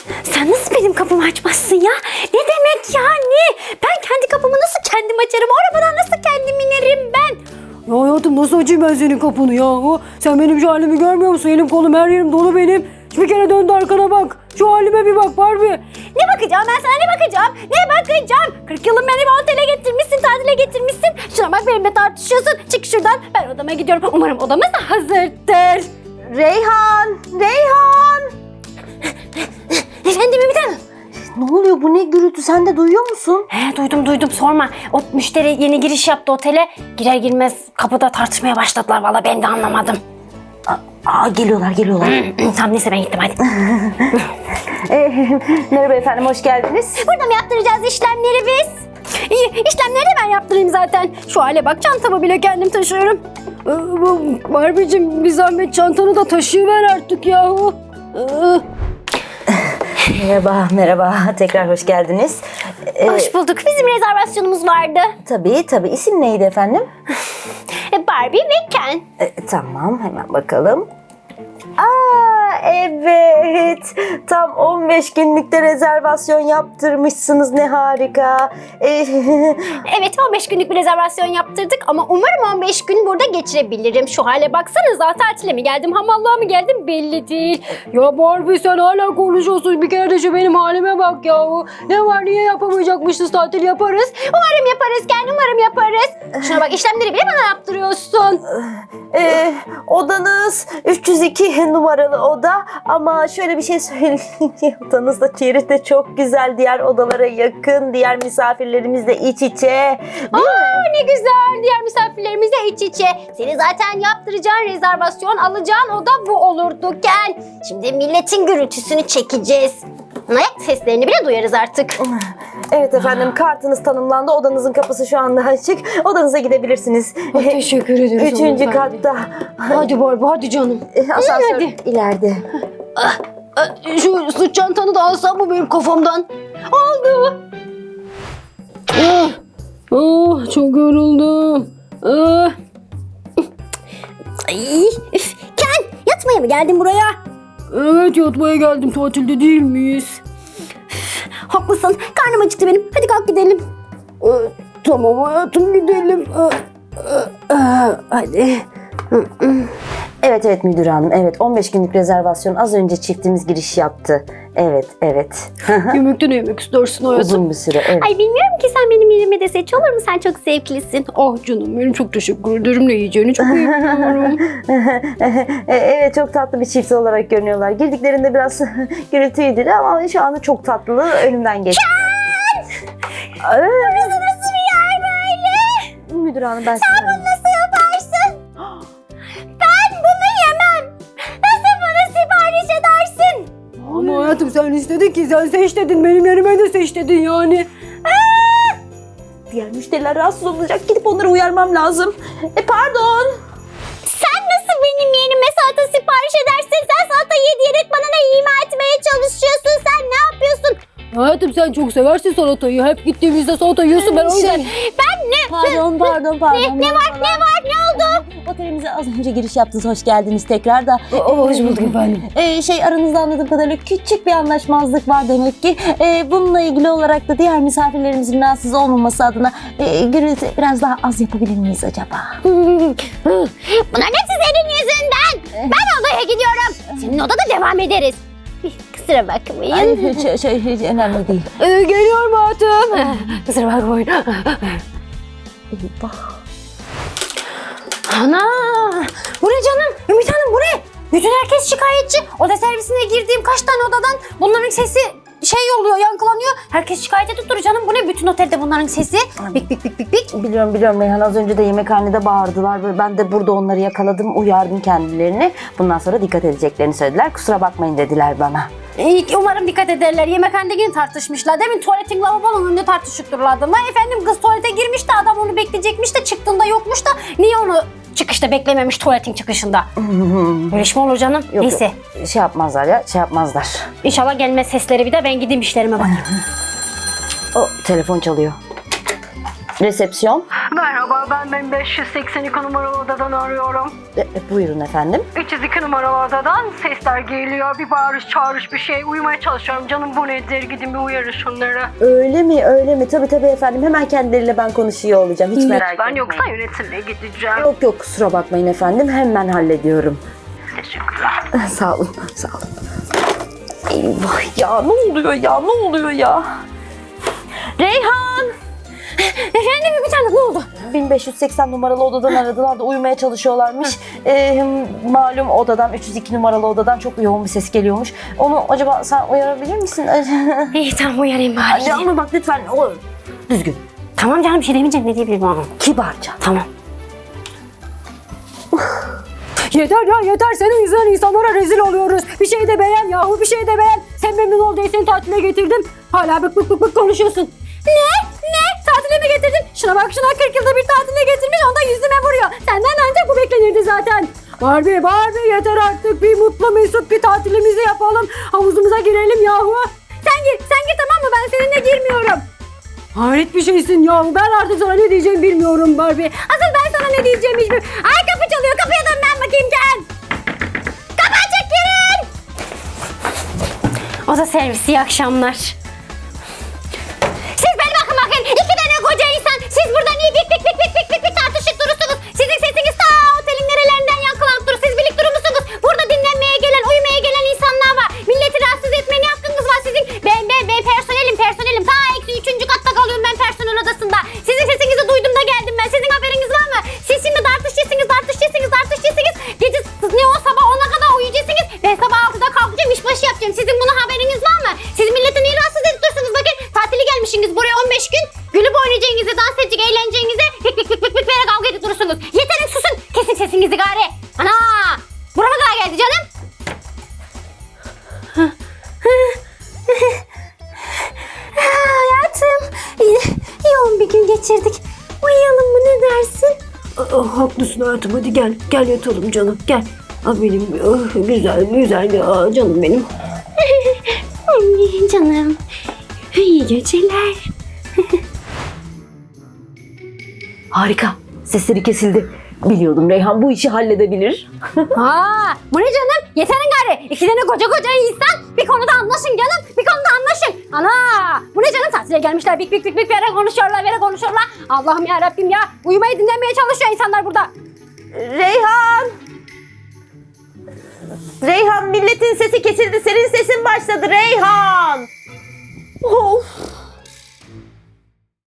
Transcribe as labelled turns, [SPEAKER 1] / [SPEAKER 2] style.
[SPEAKER 1] Sen nasıl benim kapımı açmazsın ya? Ne demek yani? Ben kendi kapımı nasıl kendim açarım? O arabadan nasıl kendim inerim ben?
[SPEAKER 2] Ya hayatım nasıl açayım ben senin kapını ya? Sen benim şu halimi görmüyor musun? Elim kolum her yerim dolu benim. Bir kere döndü arkana bak. Şu halime bir bak Barbie.
[SPEAKER 1] Ne bakacağım ben sana, ne bakacağım? Ne bakacağım? 40 yılın beni bir otele getirmişsin, tatile getirmişsin. Şuna bak, benimle tartışıyorsun. Çık şuradan, ben odama gidiyorum. Umarım odamız da hazırdır.
[SPEAKER 3] Reyhan! Reyhan!
[SPEAKER 1] Efendim bir tane.
[SPEAKER 3] Ne oluyor, bu ne gürültü, sen de duyuyor musun?
[SPEAKER 1] He, duydum sorma. O müşteri yeni giriş yaptı otele. Girer girmez kapıda tartışmaya başladılar. Vallahi ben de anlamadım.
[SPEAKER 3] Geliyorlar.
[SPEAKER 1] Tamam neyse ben gittim hadi.
[SPEAKER 3] Merhaba efendim, hoş geldiniz.
[SPEAKER 1] Burada mı yaptıracağız işlemleri biz? İyi, işlemleri de ben yaptırayım zaten. Şu hale bak, çantamı bile kendim taşıyorum.
[SPEAKER 2] Barbie'cim bir zahmet çantanı da taşıyıver artık yahu.
[SPEAKER 3] Merhaba. Tekrar hoş geldiniz.
[SPEAKER 1] Hoş bulduk. Bizim rezervasyonumuz vardı.
[SPEAKER 3] Tabii. İsim neydi efendim?
[SPEAKER 1] Barbie ve Ken.
[SPEAKER 3] Tamam, hemen bakalım. Evet. Tam 15 günlükte rezervasyon yaptırmışsınız. Ne harika.
[SPEAKER 1] Evet, 15 günlük bir rezervasyon yaptırdık ama umarım 15 gün burada geçirebilirim. Şu hale baksanıza, tatile mi geldim, hamallığa mı geldim belli değil.
[SPEAKER 2] Ya Barbie sen hala konuşuyorsun. Bir kere de şu benim halime bak yahu. Ne var, niye yapamayacakmışız, tatil yaparız.
[SPEAKER 1] Umarım yaparız Ken, umarım yaparız. Şuna bak, işlemleri bile bana yaptırıyorsun.
[SPEAKER 3] Odanız 302 numaralı oda, ama şöyle bir şey söyleyeyim. Odanız da çeri de çok güzel, diğer odalara yakın, diğer misafirlerimizle iç içe.
[SPEAKER 1] Ne güzel, diğer misafirlerimizle iç içe. Seni zaten yaptıracağın rezervasyon, alacağın oda bu olurdu Ken. Şimdi milletin gürültüsünü çekeceğiz. Ayak seslerini bile duyarız artık.
[SPEAKER 3] Evet efendim, kartınız tanımlandı, odanızın kapısı şu anda açık, odanıza gidebilirsiniz.
[SPEAKER 2] Teşekkür ederim.
[SPEAKER 3] 3. katta.
[SPEAKER 2] Hadi Barbie hadi canım.
[SPEAKER 3] Asansör
[SPEAKER 2] hadi.
[SPEAKER 3] ileride.
[SPEAKER 2] Şu sırt çantanı da alsam mı benim kafamdan?
[SPEAKER 1] Oldu.
[SPEAKER 2] Çok yoruldum.
[SPEAKER 1] Ay, üf. Ken, yatmaya mı geldin buraya?
[SPEAKER 2] Evet, yatmaya geldim, tatilde değil miyiz?
[SPEAKER 1] Haklısın, karnım acıktı benim. Hadi kalk gidelim.
[SPEAKER 2] Tamam hayatım, gidelim.
[SPEAKER 1] Hadi.
[SPEAKER 3] Evet müdür hanım, evet 15 günlük rezervasyon az önce çiftimiz giriş yaptı. Evet.
[SPEAKER 2] Yemekte ne yemek istersin hayatım?
[SPEAKER 3] Uzun bir süre, evet.
[SPEAKER 1] Ay bilmiyorum ki, sen benim yerime de seç olur mu? Sen çok zevklisin.
[SPEAKER 2] Ah canım benim, çok teşekkür ederim. Ne yiyeceğini çok iyi biliyorum.
[SPEAKER 3] Evet, çok tatlı bir çift olarak görünüyorlar. Girdiklerinde biraz gürültüydü ama şu anda çok tatlı, önümden geçti.
[SPEAKER 1] Burası nasıl bir yer böyle?
[SPEAKER 3] Müdür hanım, ben
[SPEAKER 1] Sen bunu nasıl yaparsın? Ben bunu yemem. Nasıl bunu sipariş edersin?
[SPEAKER 2] Ama hayatım sen istedin ki, sen seç dedin, benim yerime de seç dedin yani.
[SPEAKER 3] Diğer müşteriler rahatsız olacak, gidip onları uyarmam lazım. Pardon.
[SPEAKER 1] Sen nasıl benim yerime salata sipariş edersin? Sen salata ye diyerek bana ne ima etmeye çalışıyorsun? Sen ne yapıyorsun?
[SPEAKER 2] Hayatım sen çok seversin salatayı. Hep gittiğimizde salata yiyorsun, ben o yüzden.
[SPEAKER 1] Ben ne?
[SPEAKER 3] Pardon.
[SPEAKER 1] Ne var? Ne oldu?
[SPEAKER 3] Otelimize az önce giriş yaptınız, hoş geldiniz tekrar da.
[SPEAKER 2] Hoş bulduk efendim.
[SPEAKER 3] Aranızda anladığım kadarıyla küçük bir anlaşmazlık var demek ki. Bununla ilgili olarak da diğer misafirlerimizin rahatsız olmaması adına gürültü biraz daha az yapabilir miyiz acaba?
[SPEAKER 1] Bunların hepsi senin yüzünden. Ben odaya gidiyorum. Senin odada devam ederiz. Kusura bakmayın.
[SPEAKER 3] Hiç önemli değil.
[SPEAKER 2] Geliyorum hayatım. Kusura bakmayın.
[SPEAKER 1] Ana! Bu ne canım? Ümit Hanım bu ne? Bütün herkes şikayetçi. Oda servisine girdiğim kaç tane odadan bunların sesi oluyor, yankılanıyor. Herkes şikayete tuttur canım. Bu ne? Bütün otelde bunların sesi. Bik.
[SPEAKER 3] Biliyorum Reyhan, az önce de yemekhanede bağırdılar ve ben de burada onları yakaladım, uyardım kendilerini. Bundan sonra dikkat edeceklerini söylediler. Kusura bakmayın dediler bana.
[SPEAKER 1] Umarım dikkat ederler. Yemekhanede yine tartışmışlar. Demin tuvaletin lavabonun önünde tartışıp dururlardı. Vay efendim, kız tuvalete girmiş de adam onu bekleyecekmiş de çıktığında yokmuş da niye onu çıkışta beklememiş tuvaletin çıkışında? Böyle iş mi olur canım?
[SPEAKER 3] Yok,
[SPEAKER 1] Neyse.
[SPEAKER 3] Şey yapmazlar.
[SPEAKER 1] İnşallah gelmez sesleri, bir de ben gideyim işlerime bakayım.
[SPEAKER 3] O telefon çalıyor. Resepsiyon.
[SPEAKER 2] Merhaba, ben 582 numaralı odadan arıyorum.
[SPEAKER 3] Buyurun efendim.
[SPEAKER 2] 302 numaralı odadan sesler geliyor. Bir bağırış çağırış bir şey. Uyumaya çalışıyorum. Canım bu nedir? Gidin bir uyarın şunları.
[SPEAKER 3] Öyle mi? Tabii efendim. Hemen kendileriyle ben konuşuyor olacağım. Hiç merak etmeyin.
[SPEAKER 2] Ben yoksa yönetimle gideceğim.
[SPEAKER 3] Yok kusura bakmayın efendim. Hemen hallediyorum.
[SPEAKER 2] Teşekkürler.
[SPEAKER 3] Sağ olun. Eyvah ya, ne oluyor ya? Reyhan!
[SPEAKER 1] Efendim bir tane ne oldu?
[SPEAKER 3] 1580 numaralı odadan aradılar da uyumaya çalışıyorlarmış. Malum odadan 302 numaralı odadan çok yoğun bir ses geliyormuş. Onu acaba sen uyarabilir misin?
[SPEAKER 1] İyi tamam uyarayım bari.
[SPEAKER 3] Ama bak lütfen o düzgün.
[SPEAKER 1] Tamam canım bir şey demeyeceğim ne diyebilirim ama.
[SPEAKER 3] Kibarca.
[SPEAKER 1] Tamam.
[SPEAKER 2] Yeter. Senin yüzünden insanlara rezil oluyoruz. Bir şey de beğen yahu, bir şey de beğen. Sen memnun ol diye seni tatile getirdim. Hala bık konuşuyorsun. Ne? Tatile mi getirdin? Şuna bak 40 yılda bir tatile getirmiş, ondan yüzüme vuruyor. Senden ancak bu beklenirdi zaten. Barbie yeter artık. Bir mutlu mesut bir tatilimizi yapalım. Havuzumuza girelim yahu. Sen gir tamam mı? Ben seninle girmiyorum. Hayret bir şeysin yahu. Ben artık sana ne diyeceğimi bilmiyorum Barbie. Asıl ben sana ne diyeceğimi hiç bilmiyorum. Ay kapı çalıyor. Kapıya dön ben bakayım gel. Kapı açık girin.
[SPEAKER 1] Oda servisi iyi akşamlar. Siz beni bakın. 2 tane koca insan. Siz burada niye bik tartışıp durursunuz? Sizin sesiniz ta otelin nerelerinden yankılanıp durur. Siz birlik durur musunuz? Burada dinlenmeye gelen, uyumaya gelen insanlar var. Milleti rahatsız etmeye ne hakkınız var sizin? Ben personelim. Ta eksi 3. katta kalıyorum ben personel odasında. Sizin sesinizi duydum da geldim ben. Sizin haberiniz var mı? Siz şimdi tartışacaksınız. Gece ne o sabah 10'a kadar uyuyacaksınız. Ben sabah 6'da kalkacağım, işbaşı yapacağım. Sizin buna haberiniz var mı? Siz milleti niye rahatsız edip dursunuz? Bakın tatili gelmişsiniz buraya 15 gün. Gülüp oynayacağınızı, dans edecek, eğleneceğinizi pik böyle kavga edip durursunuz. Yeterin susun. Kesin sesinizi gari. Ana! Burama kadar geldi canım. Hayatım. Yoğun bir gün geçirdik. Uyuyalım mı ne dersin?
[SPEAKER 2] Haklısın hayatım, hadi gel yatalım canım, gel. Benim güzel ya, canım benim.
[SPEAKER 1] Canım. İyi geceler.
[SPEAKER 3] Harika. Sesleri kesildi. Biliyordum Reyhan bu işi halledebilir.
[SPEAKER 1] Bu ne canım? Yeterin gari. 2 tane koca insan bir konuda anlaşın canım. Bir konuda anlaşın. Ana! Bu ne canım? Tatile gelmişler. Bik böyle konuşuyorlar. Allah'ım ya Rabbim ya. Uyumayı dinlemeye çalışıyor insanlar burada.
[SPEAKER 3] Reyhan milletin sesi kesildi. Senin sesin başladı Reyhan. Of.